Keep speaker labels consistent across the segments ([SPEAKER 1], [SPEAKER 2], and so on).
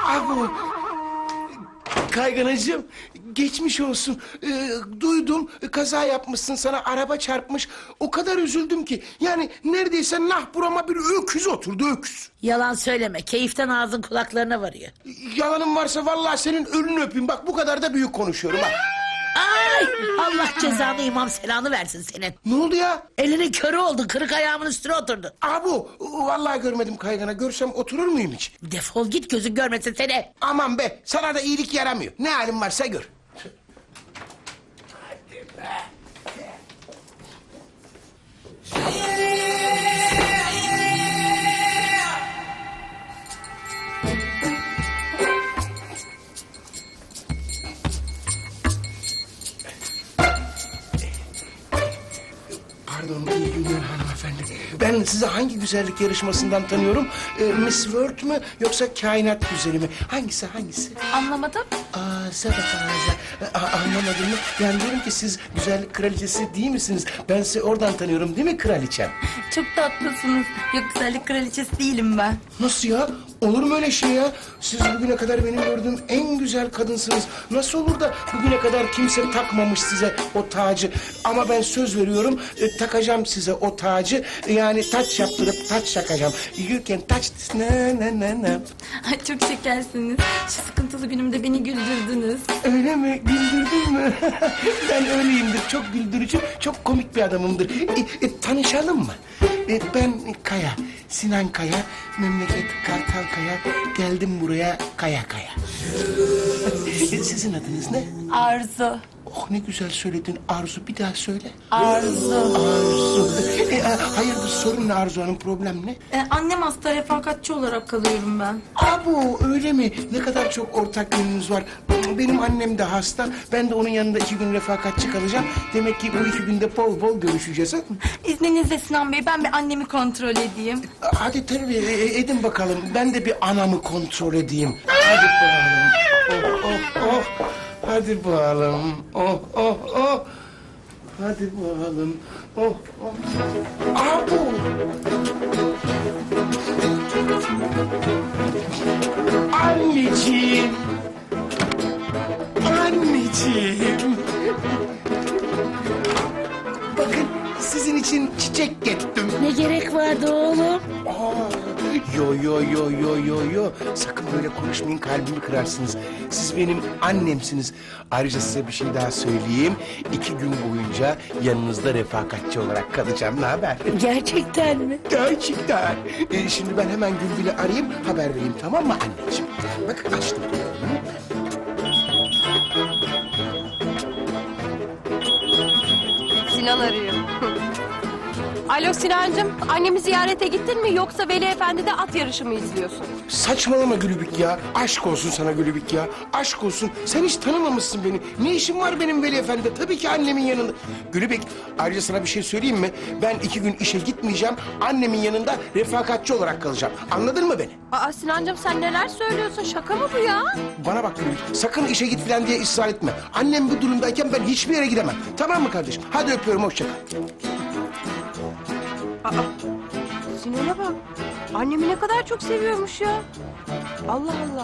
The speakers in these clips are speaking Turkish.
[SPEAKER 1] Abu, Kayganacığım, geçmiş olsun. Duydum, kaza yapmışsın, sana araba çarpmış. O kadar üzüldüm ki. Yani neredeyse burama bir öküz oturdu, öküz.
[SPEAKER 2] Yalan söyleme. Keyiften ağzın kulaklarına varıyor.
[SPEAKER 1] Yalanım varsa vallahi senin ölünü öpeyim. Bak bu kadar da büyük konuşuyorum ha.
[SPEAKER 2] Ay! Allah cezanı imam selanı versin senin.
[SPEAKER 1] Ne oldu ya?
[SPEAKER 2] Elinin körü oldu. Kırık ayağımın üstüne oturdu.
[SPEAKER 1] Abu, vallahi görmedim Kaygana. Görsem oturur muyum hiç?
[SPEAKER 2] Defol git, gözün görmesin seni.
[SPEAKER 1] Aman be, sana da iyilik yaramıyor. Ne halin varsa gör. Hadi be. Pardon, iyi günler hanımefendi. Ben sizi hangi güzellik yarışmasından tanıyorum? Miss World mü yoksa kainat güzeli mi? Hangisi?
[SPEAKER 3] Anlamadım.
[SPEAKER 1] Anlamadım mı? Yani diyorum ki siz güzellik kraliçesi değil misiniz? Ben sizi oradan tanıyorum değil mi kraliçem?
[SPEAKER 3] Çok tatlısınız. Yok, güzellik kraliçesi değilim ben.
[SPEAKER 1] Nasıl ya? Olur mu öyle şey ya? Siz bugüne kadar benim gördüğüm en güzel kadınsınız. Nasıl olur da bugüne kadar kimse takmamış size o tacı? Ama ben söz veriyorum, takacağım size o tacı. Yani taç yaptırıp taç takacağım. You can touch this, na.
[SPEAKER 3] Ay, çok şekersiniz. Şu sıkıntılı günümde beni güldürdünüz.
[SPEAKER 1] Öyle mi? Güldürdün mü? Ben öyleyimdir. Çok güldürücü, çok komik bir adamımdır. Tanışalım mı? Ben Kaya, Sinan Kaya, memleket Kartalkaya. Geldim buraya Kaya. Sizin adınız ne?
[SPEAKER 3] Arzu.
[SPEAKER 1] Oh ne güzel söyledin Arzu. Bir daha söyle.
[SPEAKER 3] Arzu.
[SPEAKER 1] Arzu. Hayırdır sorun ne Arzu Hanım, problem ne?
[SPEAKER 3] Annem hasta, refakatçi olarak kalıyorum ben.
[SPEAKER 1] Abo öyle mi? Ne kadar çok ortak yönünüz var. Benim annem de hasta. Ben de onun yanında 2 gün refakatçi kalacağım. Demek ki bu 2 günde bol bol görüşeceğiz. Ha?
[SPEAKER 3] İzninizle Sinan Bey, ben bir annemi kontrol edeyim.
[SPEAKER 1] Hadi tabii edin bakalım. Ben de bir anamı kontrol edeyim. Hadi bakalım. Oh. Hadi bakalım. Oh. Hadi bakalım. Oh. Abo. Anneciğim. Bakın sizin için çiçek getirdim.
[SPEAKER 2] Ne gerek vardı oğlum?
[SPEAKER 1] Yo. Sakın böyle konuşmayın, kalbimi kırarsınız. Siz benim annemsiniz. Ayrıca size bir şey daha söyleyeyim. 2 gün boyunca yanınızda refakatçi olarak kalacağım. Ne haber?
[SPEAKER 2] Gerçekten mi?
[SPEAKER 1] Gerçekten. Şimdi ben hemen Gülbin'i arayayım, haber vereyim, tamam mı anneciğim? Bak açtım.
[SPEAKER 4] Sinan arıyor. Alo Sinancığım, annemi ziyarete gittin mi yoksa Veli Efendi'de at yarışı mı izliyorsun?
[SPEAKER 1] Saçmalama Gülübük ya. Aşk olsun sana Gülübük ya. Aşk olsun. Sen hiç tanımamışsın beni. Ne işim var benim Veli Efendi'de? Tabii ki annemin yanında. Gülübük, ayrıca sana bir şey söyleyeyim mi? Ben 2 gün işe gitmeyeceğim. Annemin yanında refakatçi olarak kalacağım. Anladın mı beni?
[SPEAKER 4] Aa Sinancığım, sen neler söylüyorsun? Şaka mı bu ya?
[SPEAKER 1] Bana bak Gülübük. Sakın işe git falan diye ısrar etme. Annem bu durumdayken ben hiçbir yere gidemem. Tamam mı kardeşim? Hadi öpüyorum, hoşça kal.
[SPEAKER 4] Sinan'a bak. Annemi ne kadar çok seviyormuş ya. Allah Allah.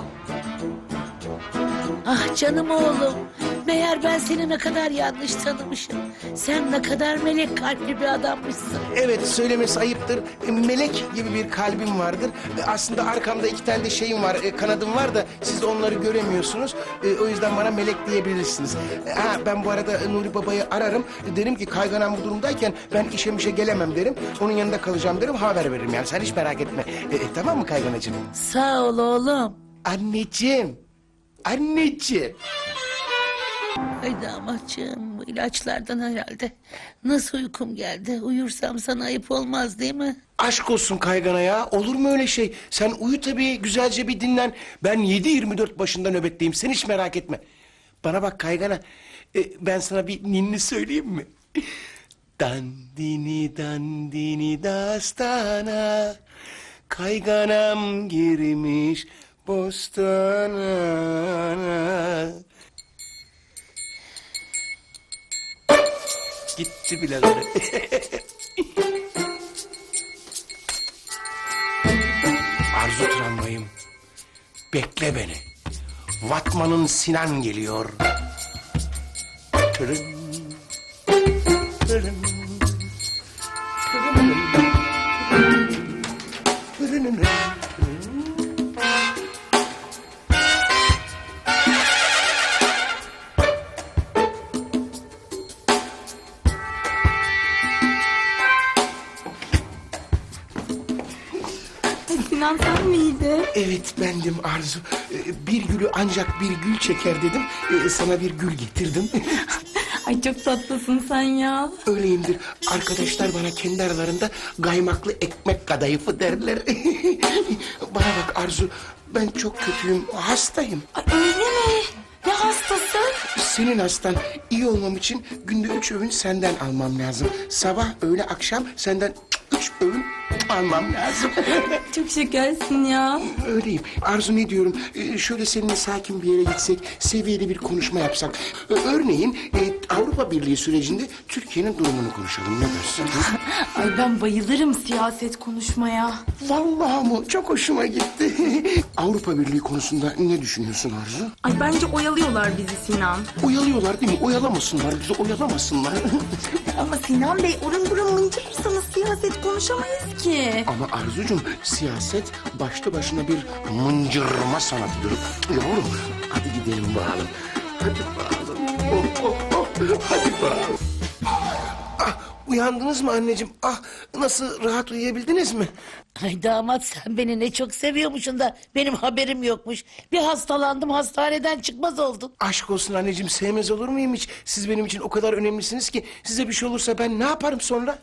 [SPEAKER 2] Ah canım oğlum. Meğer ben seni ne kadar yanlış tanımışım. Sen ne kadar melek kalpli bir adammışsın.
[SPEAKER 1] Evet, söylemesi ayıptır. Melek gibi bir kalbim vardır. Aslında arkamda 2 tane de şeyim var, kanadım var da siz onları göremiyorsunuz. O yüzden bana melek diyebilirsiniz. Ben bu arada Nuri Baba'yı ararım. Derim ki Kayganan bu durumdayken ben işe gelemem derim. Onun yanında kalacağım derim, haber veririm yani. Sen hiç merak etme. Tamam mı Kayganacığım?
[SPEAKER 2] Sağ ol oğlum.
[SPEAKER 1] Anneciğim.
[SPEAKER 2] Ay damatçığım, bu ilaçlardan herhalde. Nasıl uykum geldi? Uyursam sana ayıp olmaz değil mi?
[SPEAKER 1] Aşk olsun Kaygana ya. Olur mu öyle şey? Sen uyu tabii, güzelce bir dinlen. Ben 7/24 başında nöbetteyim. Sen hiç merak etme. Bana bak Kaygana. Ben sana bir ninni söyleyeyim mi? Dandini dastana. Kayganam girmiş bostana. Gitti birader. Arzu tramvayım. Bekle beni. Vatman'ın Sinan geliyor. Tırın, tırın, tırın, tırın.
[SPEAKER 3] Sinan sen miydin?
[SPEAKER 1] Evet bendim Arzu. Bir gülü ancak bir gül çeker dedim. Sana bir gül getirdim.
[SPEAKER 3] Ay çok tatlısın sen ya.
[SPEAKER 1] Öyleyimdir. Arkadaşlar bana kendi aralarında kaymaklı ekmek kadayıfı derler. Bana bak Arzu, ben çok kötüyüm, hastayım.
[SPEAKER 3] Ay öyle mi? Ne hastası?
[SPEAKER 1] Senin hastan iyi olmam için günde 3 öğün senden almam lazım. Sabah, öğle, akşam senden 3 öğün almam lazım.
[SPEAKER 3] Çok şekersin ya.
[SPEAKER 1] Öyleyim. Arzu ne diyorum? Şöyle seninle sakin bir yere gitsek, seviyeli bir konuşma yapsak. Örneğin Avrupa Birliği sürecinde Türkiye'nin durumunu konuşalım. Ne dersin?
[SPEAKER 3] Ay ben bayılırım siyaset konuşmaya.
[SPEAKER 1] Vallahi mı? Çok hoşuma gitti. Avrupa Birliği konusunda ne düşünüyorsun Arzu?
[SPEAKER 3] Ay bence oyalıyorlar bizi Sinan.
[SPEAKER 1] Oyalıyorlar değil mi? Oyalamasınlar, bizi oyalamasınlar.
[SPEAKER 3] Ama Sinan Bey orun burun mıncırırsanız siyaset konuşamayız ki.
[SPEAKER 1] Ama Arzucuğum, siyaset başlı başına bir mıncırma sanatıdır. Yavrum, hadi gidelim bakalım. Hadi bakalım. Oh, oh, oh. Hadi bakalım. Ah, uyandınız mı anneciğim? Ah, nasıl, rahat uyuyabildiniz mi?
[SPEAKER 2] Ay damat sen beni ne çok seviyormuşsun da benim haberim yokmuş. Bir hastalandım hastaneden çıkmaz oldum.
[SPEAKER 1] Aşk olsun anneciğim, sevmez olur muyum hiç? Siz benim için o kadar önemlisiniz ki size bir şey olursa ben ne yaparım sonra?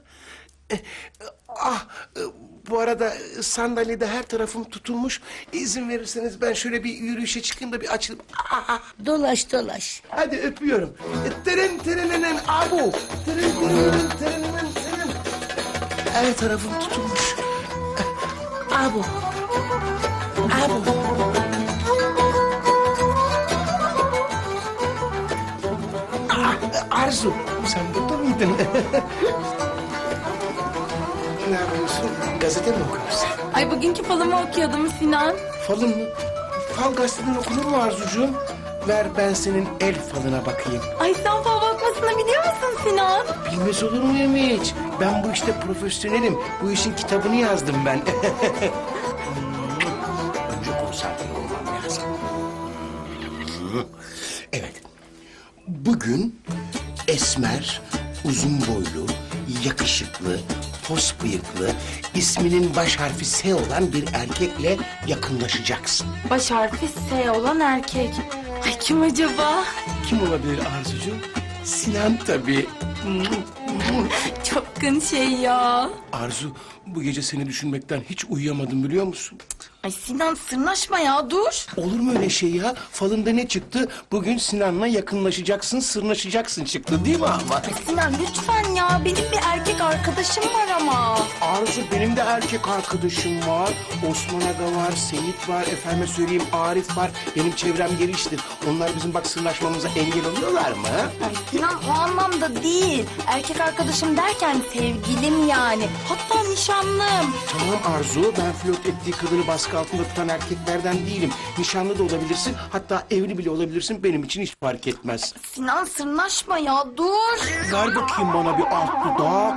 [SPEAKER 1] Bu arada sandalyede her tarafım tutulmuş. İzin verirseniz ben şöyle bir yürüyüşe çıkayım da bir açılayım.
[SPEAKER 2] Dolaş dolaş.
[SPEAKER 1] Hadi öpüyorum. Tırın tırınının abu. Tırın tırınının tırınının tırın. Her tarafım tutulmuş. Abu. Abu. Arzu, sen burada mıydın? Ne yapıyorsun? Gazete mi okuyorsun?
[SPEAKER 3] Ay bugünkü falımı okuyordum Sinan.
[SPEAKER 1] Falın mı? Fal gazeteden okunur mu Arzucuğum? Ver ben senin el falına bakayım.
[SPEAKER 3] Ay sen fal bakmasını biliyor musun Sinan?
[SPEAKER 1] Bilmez olur muyum hiç? Ben bu işte profesyonelim. Bu işin kitabını yazdım ben. Önce konsantre olmam lazım. Evet. Bugün esmer, uzun boylu, yakışıklı, pos bıyıklı, isminin baş harfi S olan bir erkekle yakınlaşacaksın.
[SPEAKER 3] Baş harfi S olan erkek. Ay kim acaba?
[SPEAKER 1] Kim olabilir Arzucuğum? Sinan tabii.
[SPEAKER 3] Çapkın şey ya.
[SPEAKER 1] Arzu, bu gece seni düşünmekten hiç uyuyamadım biliyor musun?
[SPEAKER 3] Ay Sinan sırnaşma ya dur.
[SPEAKER 1] Olur mu öyle şey ya? Falında ne çıktı? Bugün Sinan'la yakınlaşacaksın, sırnaşacaksın çıktı değil mi ama?
[SPEAKER 3] Ay Sinan lütfen ya benim bir erkek arkadaşım var ama.
[SPEAKER 1] Arzu, benim de erkek arkadaşım var. Osman Aga var, Seyit var, efendime söyleyeyim Arif var. Benim çevrem geniştir. Onlar bizim bak sırnaşmamıza engel oluyorlar mı?
[SPEAKER 3] Ay Sinan o anlamda değil. Erkek arkadaşım derken sevgilim yani. Hatta nişanlım.
[SPEAKER 1] Tamam Arzu, ben flört ettiği kadını baskı altında tutan erkeklerden değilim. Nişanlı da olabilirsin, hatta evli bile olabilirsin. Benim için hiç fark etmez.
[SPEAKER 3] Sinan sırnaşma ya dur.
[SPEAKER 1] Ver bakayım bana bir alt dudak.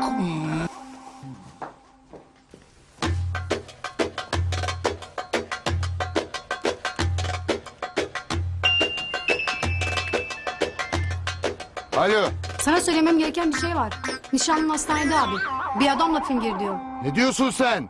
[SPEAKER 5] Alo,
[SPEAKER 6] Sana söylemem gereken bir şey var. Nişanlın hastanede abi. Bir adamla fingir diyor.
[SPEAKER 5] ne diyorsun sen?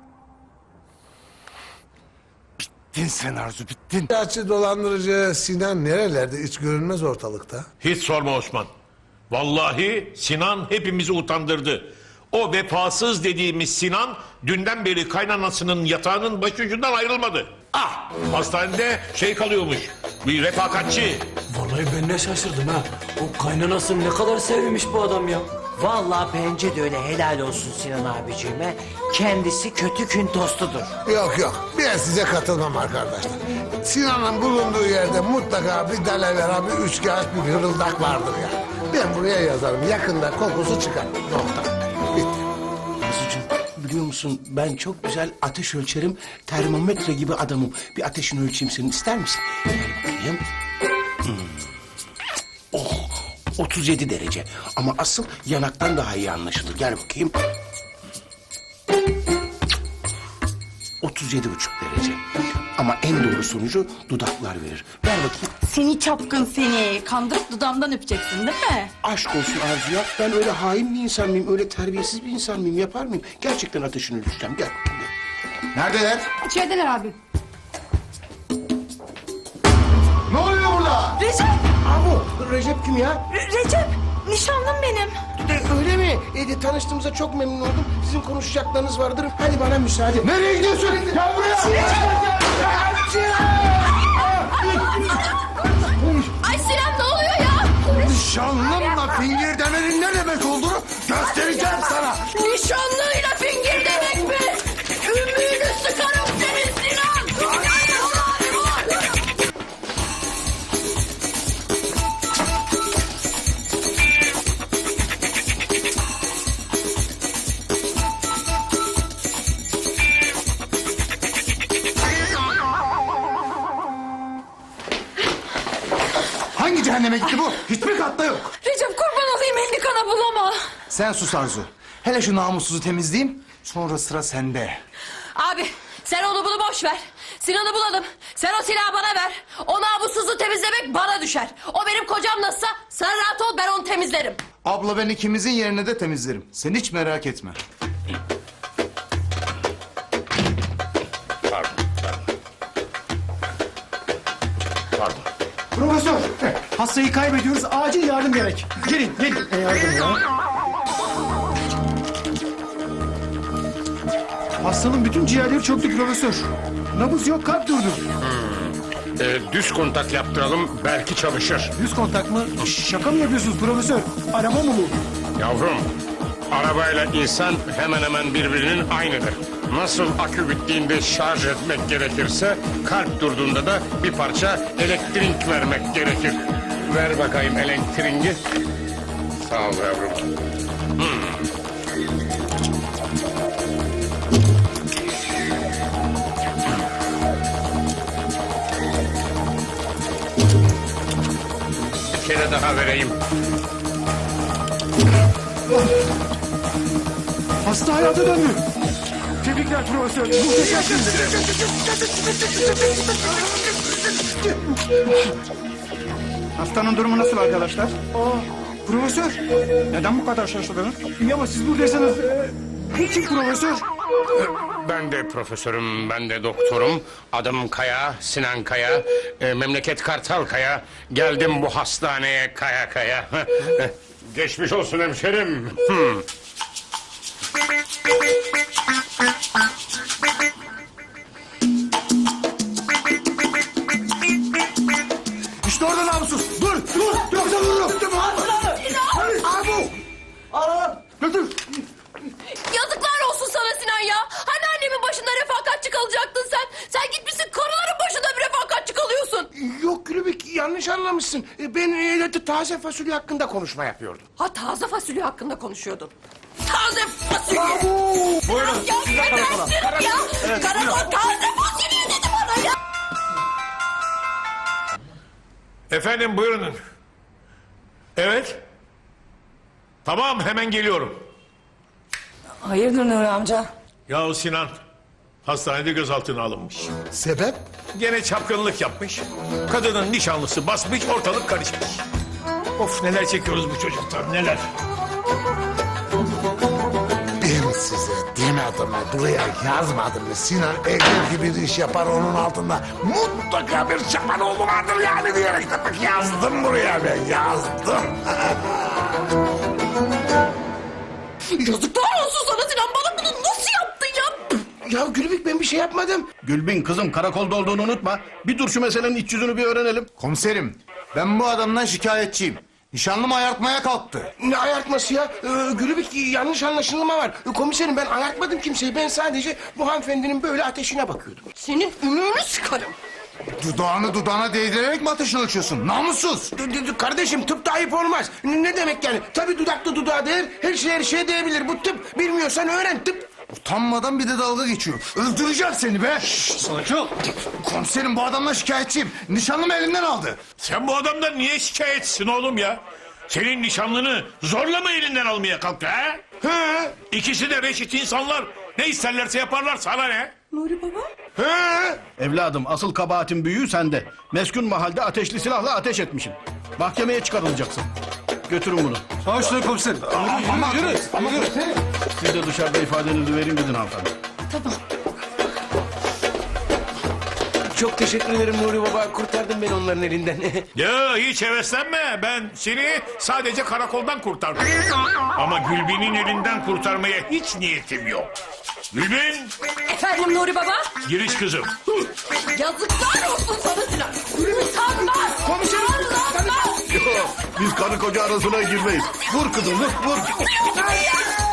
[SPEAKER 5] Bittin sen Arzu, bittin.
[SPEAKER 7] Gerçi dolandırıcı Sinan nerelerde hiç görünmez ortalıkta.
[SPEAKER 8] Hiç sorma Osman. Vallahi Sinan hepimizi utandırdı. O vefasız dediğimiz Sinan dünden beri kaynanasının yatağının başucundan ayrılmadı. Ah, hastanede kalıyormuş. Bir refakatçi.
[SPEAKER 9] Vallahi ben ne şaşırdım ha. O kaynanasını ne kadar sevmiş bu adam ya.
[SPEAKER 10] Vallahi bence de öyle, helal olsun Sinan abiciğime. Kendisi kötü kün tostudur.
[SPEAKER 7] Yok yok ben size katılmam arkadaşlar. Sinan'ın bulunduğu yerde mutlaka bir dalavera, bir üçkağıt, bir hırıldak vardır ya. Ben buraya yazarım yakında kokusu çıkar. Nokta. Bitti.
[SPEAKER 1] Arzucuğum, biliyor musun musun? Ben çok güzel ateş ölçerim. Termometre gibi adamım. Bir ateşini ölçeyim senin, ister misin? Bakayım. Oh, 37 derece. Ama asıl yanaktan daha iyi anlaşılır. Gel bakayım. 37,5 derece. Ama en doğru sonucu dudaklar verir. Ver bakayım.
[SPEAKER 3] Seni çapkın seni. Kandırıp dudağımdan öpeceksin değil mi?
[SPEAKER 1] Aşk olsun Arzu ya. Ben öyle hain bir insan mıyım? Öyle terbiyesiz bir insan mıyım? Yapar mıyım? Gerçekten ateşini ölçeceğim. Gel.
[SPEAKER 7] Neredeler?
[SPEAKER 6] İçerideler abi.
[SPEAKER 7] Ne oluyor burada?
[SPEAKER 3] Recep!
[SPEAKER 1] Abo, Recep kim ya?
[SPEAKER 3] Recep! Nişanlım benim.
[SPEAKER 1] Öyle mi? Tanıştığımıza çok memnun oldum. Sizin konuşacaklarınız vardır. Hadi bana müsaade.
[SPEAKER 7] Nereye gidiyorsun? Gel buraya.
[SPEAKER 4] Ay Sinan ne oluyor ya?
[SPEAKER 7] Nişanlımla fingir demenin ne demek olduğunu göstereceğim sana.
[SPEAKER 4] Nişanlıyla fingir demek mi? Ümüğünü sıkarım senin Sinan.
[SPEAKER 5] Hangi cehenneme gitti bu? Hiçbir katta yok.
[SPEAKER 3] Recep kurban olayım elini kana bulama.
[SPEAKER 5] Sen sus Arzu. Hele şu namussuzu temizleyeyim. Sonra sıra sende.
[SPEAKER 4] Abi sen onu bunu boş ver. Sinan'ı bulalım. Sen o silahı bana ver. O namussuzu temizlemek bana düşer. O benim kocam nasılsa sen rahat ol ben onu temizlerim.
[SPEAKER 5] Abla ben ikimizin yerine de temizlerim. Sen hiç merak etme.
[SPEAKER 8] Pardon.
[SPEAKER 5] Profesör, hastayı kaybediyoruz. Acil yardım gerek. Gelin, gelin. Yardım ya. Hastanın bütün ciğerleri çöktü profesör. Nabız yok, kalp durdu.
[SPEAKER 8] Düz kontak yaptıralım belki çalışır.
[SPEAKER 5] Yüz kontak mı? Şaka mı yapıyorsunuz profesör? Araba mı bu?
[SPEAKER 8] Yavrum, arabayla insan hemen hemen birbirinin aynıdır. Nasıl akü bittiğinde şarj etmek gerekirse, kalp durduğunda da bir parça elektrik vermek gerekir. Ver bakayım elektriği. Sağ ol yavrum. Bir kere daha vereyim.
[SPEAKER 5] Hasta hayata döndü. Tebrikler profesör. Muhteşemsiniz. Hastanın durumu nasıl arkadaşlar? Profesör. Neden bu kadar şaşırdınız? İyi ama siz buradaysanız... Kim profesör?
[SPEAKER 8] Ben de profesörüm, ben de doktorum. Adım Kaya, Sinan Kaya. Memleket Kartal Kaya. Geldim bu hastaneye kaya kaya. Geçmiş olsun hemşerim.
[SPEAKER 5] İşte orada namussuz. Dur, dur. Yoksa vururum. Götür.
[SPEAKER 4] Yazıklar olsun sana Sinan ya. Hani annemin başında refakatçi kalacaktın sen. Sen gitmişsin karıların başında bir refakatçi kalıyorsun.
[SPEAKER 1] Yok Gülübük, yanlış anlamışsın. Ben taze fasulye hakkında konuşma yapıyordum.
[SPEAKER 4] Ha taze fasulye hakkında konuşuyordun. Taze fasulye.
[SPEAKER 8] Buyurun.
[SPEAKER 4] Ya yetersin ya. Karakol taze fasulye dedi bana ya.
[SPEAKER 8] Efendim buyurun. Evet. Tamam hemen geliyorum.
[SPEAKER 3] Hayırdır Nuri amca?
[SPEAKER 8] Yahu Sinan hastanede gözaltına alınmış.
[SPEAKER 7] Sebep?
[SPEAKER 8] Gene çapkınlık yapmış. Kadının nişanlısı basmış, ortalık karışmış. Of neler çekiyoruz bu çocuktan, neler.
[SPEAKER 7] Ben size demedim mi? Buraya yazmadım mı? Sinan Engel gibi bir iş yapar onun altında. Mutlaka bir Çapanoğlu vardır yani diyerek de bak yazdım buraya ben yazdım.
[SPEAKER 4] Yazıklar olsun sana Sinan. Bana bunu nasıl yaptın ya?
[SPEAKER 1] Ya Gülübük, ben bir şey yapmadım.
[SPEAKER 5] Gülbin kızım karakolda olduğunu unutma. Bir dur şu meselenin iç yüzünü bir öğrenelim. Komiserim ben bu adamdan şikayetçiyim. Nişanlımı ayartmaya kalktı.
[SPEAKER 1] Ne ayartması ya? Gülübük, yanlış anlaşılma var. Komiserim, ben ayartmadım kimseyi. Ben sadece bu hanımefendinin böyle ateşine bakıyordum.
[SPEAKER 4] Senin ümüğünü sıkarım.
[SPEAKER 5] Dudağını dudağına değdirerek mi ateşini ölçüyorsun? Namussuz.
[SPEAKER 1] Kardeşim, tıpta ayıp olmaz. Ne demek yani? Tabii dudaklı dudağa değer, her şeye değebilir. Bu tıp. Bilmiyorsan öğren, tıp.
[SPEAKER 5] Utanmadan bir de dalga geçiyor. Öldüreceğim seni be. Sakin ol. Komiserim bu adamla şikayetçiyim. Nişanlımı elimden aldı.
[SPEAKER 8] Sen bu adamdan niye şikayetçisin oğlum ya? Senin nişanlını zorla mı elinden almaya kalktı ha?
[SPEAKER 5] He.
[SPEAKER 8] İkisi de reşit insanlar. Ne isterlerse yaparlar, sana ne?
[SPEAKER 5] He.
[SPEAKER 11] Evladım asıl kabahatin büyüğü sende. Meskun mahalde ateşli silahla ateş etmişsin. Mahkemeye çıkarılacaksın. Götürün bunu.
[SPEAKER 5] Başla komiserim. Ama
[SPEAKER 11] Siz de dışarıda ifadenizi verin gidin hanımefendi.
[SPEAKER 1] Çok teşekkür ederim Nuri Baba. Kurtardın beni onların elinden.
[SPEAKER 8] Ya hiç heveslenme. Ben seni sadece karakoldan kurtardım. Ama Gülbin'in elinden kurtarmaya hiç niyetim yok. Gülbin,
[SPEAKER 4] Efendim Nuri Baba?
[SPEAKER 8] giriş kızım.
[SPEAKER 4] Yazıklar olsun sana Sinan. Utanmaz.
[SPEAKER 5] Komiserim.
[SPEAKER 4] Utanmaz.
[SPEAKER 11] Biz karı koca arasına girmeyiz. Vur kızım vur vur.
[SPEAKER 4] Hayır.